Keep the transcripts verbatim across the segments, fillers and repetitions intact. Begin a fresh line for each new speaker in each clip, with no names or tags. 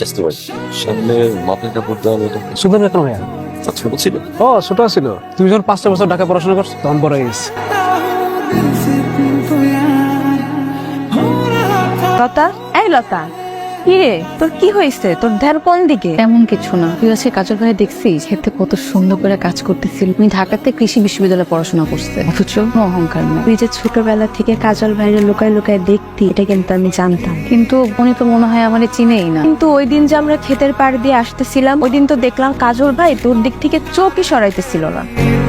চেষ্টা করি সামনে মাথায় কাপড় দেওয়া হলো
সুন্দর কেন ভাইয়া?
ছোট ছিল
ও ছোট ছিল, তুমি যখন পাঁচটা বছর ঢাকা পড়াশোনা করছো তখন বড় হয়ে গেছে।
লতা, এই লতা, কি রে তোর কি হয়েছে? তোর ধ্যান কোন দিকে?
তেমন কিছু না, তুই আজকে কাজল ভাই দেখছিস খেতে কত সুন্দর করে কাজ করতেছিল। উনি ঢাকাতে কৃষি বিশ্ববিদ্যালয়ে পড়াশোনা করছে, অথচ কোনো অহংকার না।
তুই যে ছোটবেলা থেকে কাজল ভাইরে লুকায় লুকায় দেখতি, এটা কিন্তু আমি জানতাম।
কিন্তু উনি তো মনে হয় আমারে চিনেই না।
কিন্তু ওই দিন যে আমরা ক্ষেতের পাড় দিয়ে আসতেছিলাম, ওই দিন তো দেখলাম কাজল ভাই তোর দিক থেকে চোখই সরাইতেছিল না।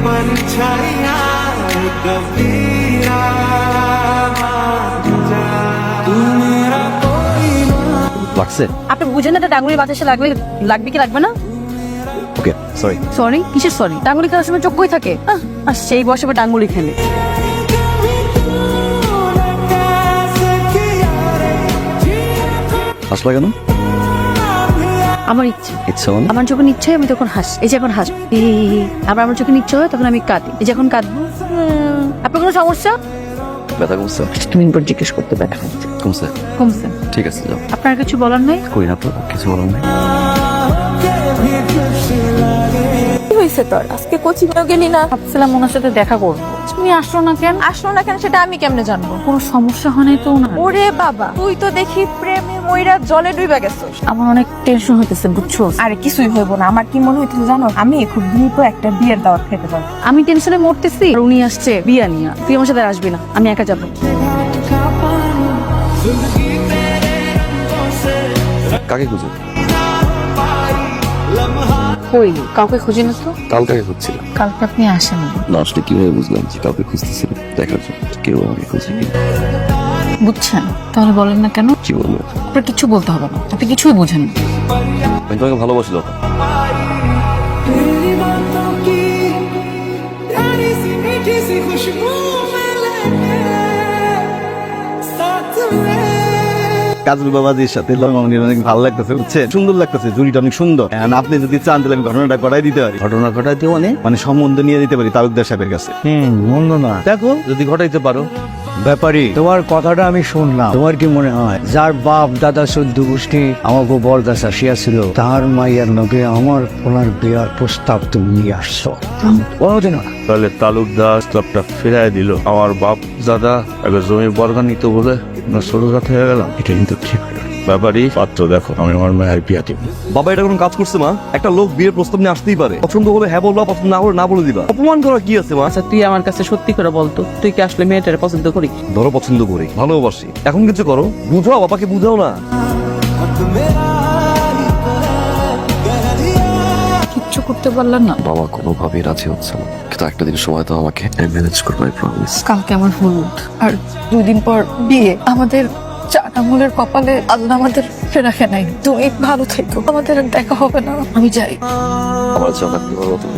লাগছে
আপনি বুঝেন না, এটা ডাঙ্গুলি বাতাসে লাগবে লাগবে কি লাগবে না?
ওকে সরি
সরি কিসের সরি? ডাঙ্গুলি খেলার সময় চোখ কই থাকে? আহ, আর সেই বসে আবার ডাঙ্গুলি খেলে।
হাসলা কেন?
আমার ইচ্ছে
ইচ্ছা মানে
আমার যখন ইচ্ছে হয় আমি তখন হাস এই যে এখন হাস আবার আমার যখন ইচ্ছে হয় তখন আমি কাঁদি। এই যে এখন কাঁদবো। উম, আপনার কোনো সমস্যা?
ব্যথা কমছে?
তুমি পর জিজ্ঞেস করতে ব্যথা কমছে
কমছে
কমছে
ঠিক আছে যাও।
আপনার কিছু বলার নাই?
কই না তো কিছু বলার নেই।
কি হয়েছে তোর? আজকে কোচিং এ গেলি না?
ভাবছিলাম ওনার সাথে দেখা করবো, তুমি আসলো না কেন?
আসলো না কেন সেটা আমি কেমনে জানবো?
কোনো সমস্যা হয় নাই তো ওনার?
ওরে বাবা, তুই তো দেখি প্রেমে মইরা জলে ডুইবা গেছিস।
আমার অনেক টেনশন হইতেছে বুঝছো।
আরে কিছুই হইব না। আমার কি মনে হইতেছে জানো, আমি খুব দ্রুত একটা বিয়ের দাওয়াত খেতে পারবো।
আমি টেনশনে মরতেছি আর উনি আসছে বিয়া নিয়া। তুই আমার সাথে আসবি না, আমি একা যাবো।
কাকে খুঁজো?
কই কাউকে খুঁজি না তো।
কাল কাকে খুঁজছিলাম?
কালকে আপনি আসেন
না আসলে কিভাবে বুঝলাম যে কাউকে খুঁজতেছিল দেখার জন্য কেউ আমাকে খুঁজে কি
বুঝছেন? তাহলে বলেন না কেন?
কি বলবো?
আপনার কিছু বলতে হবে না, আপনি কিছুই বোঝেন না।
আমি তোমাকে ভালোবাসিল
কাজল বাবাজির সাথে লঙ্গনের অনেক ভালো লাগতেছে, বুঝছেন? সুন্দর লাগতেছে, জুড়িটা অনেক সুন্দর। And আপনি যদি চান তাহলে আমি ঘটনাটা ঘটাই দিতে পারি। ঘটনা ঘটাই দিয়ে অনেক মানে সম্বন্ধ নিয়ে দিতে পারি তালুকদার সাহেবের কাছে।
হুম মন্দ না,
দেখো যদি ঘটাইতে পারো।
ব্যাপারী তোমার কথাটা আমি শুনলাম। তোমার কি মনে হয় যার বাপ দাদা চোদ্দ গোষ্ঠী আমাকে বরদাস আসিয়াছিল তাহার মাইয়ার লগে আমার ওনার বিয়ার প্রস্তাব তুমি নিয়ে আসছো? কোনোদিন না।
তাহলে তালুকদার ক্লাবটা ফিরাই দিল। আমার বাপ দাদা এবার জমি বর্গা নিত বলে না ছোট জাত হয়ে গেলাম। এটা কিন্তু ঠিক হলো না। ব্যাপারই পাত্র দেখো, আমি আমার মায়ের বিয়া দিব।
বাবা এটা কোনো কাজ করছে মা? একটা লোক বিয়ের প্রস্তাব নিয়ে আসতেই পারে, পছন্দ হলে হ্যাঁ বলবা, পছন্দ না হলে না বলে দিবা। অপমান করা কি আছে মা?
আচ্ছা তুই আমার কাছে সত্যি করে বলতো, তুই কি আসলে মেয়েটারে পছন্দ করি?
ধরো পছন্দ করি, ভালোবাসি, এখন কিছু করো, বুঝাও, বাবাকে বুঝাও না।
কিচ্ছু করতে পারলাম না।
বাবা কোনোভাবেই রাজি হচ্ছে না, কিন্তু একটা দিন সময় তো আমাকে ম্যানেজ করবো, আই প্রমিস।
কালকে আমার হলুদ আর দুই দিন পর বিয়ে। আমাদের চার আঙুলের কপালে আল্লাহ আমাদের রাখে নাই। তুমি ভালো থেকো, আমাদের আর দেখা হবে না। আমি যাই।
আমার জানা কি বলো তুমি?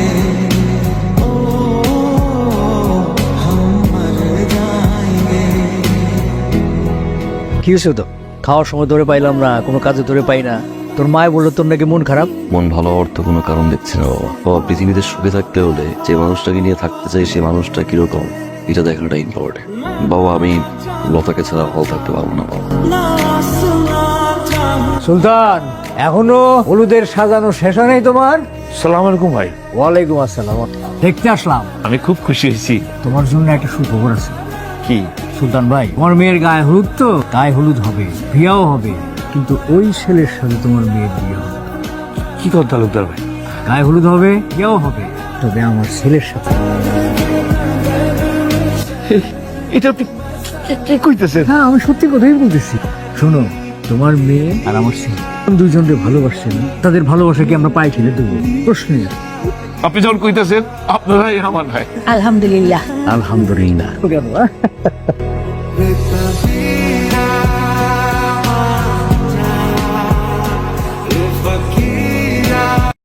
কি হয়েছে তো? খাওয়ার সময় ধরে পাইলাম না, কোনো কাজে ধরে পাই না। তোর মায় বললো তোর নাকি মন খারাপ।
মন ভালো হওয়ার তো কোনো কারণ দেখছি না বাবা। বাবা পৃথিবীতে সুখে থাকতে হলে যে মানুষটাকে নিয়ে থাকতে চাই সেই মানুষটা কিরকম এটা দেখাটা ইম্পর্টেন্ট। বাবা আমি লতাকে ছাড়া ভালো থাকতে পারবো না বাবা।
সুলতান এখনো হলুদের সাজানো শেষ হয় নাই তোমার?
সালাম আলাইকুম ভাই।
ওয়ালাইকুম আসসালাম। দেখতে আসলাম,
আমি খুব খুশি হয়েছি।
তোমার জন্য একটা সুখবর আছে।
কি?
সুলতান ভাই, তোমার মেয়ের গায়ে হলুদ তো, গায়ে হলুদ হবে, বিয়াও হবে, কিন্তু ওই ছেলের সাথে তোমার মেয়ের বিয়ে হবে।
কি কথা তালুকদার ভাই?
গায়ে হলুদ হবে, বিয়াও হবে, তবে আমার ছেলের সাথে।
এটা আপনি কি কইতেছেন?
হ্যাঁ আমি সত্যি কথাই বলতেছি। শোনো, তোমার মেয়ে আর আমার ছেলে দুজনকে ভালোবাসছেন, তাদের ভালোবাসা কি আমরা পাই খেলে দেবো? প্রশ্ন নেই।
আপনি যখন কইতেছেন আপনার ভাই আমার ভাই।
আলহামদুলিল্লাহ।
আলহামদুলিল্লাহ।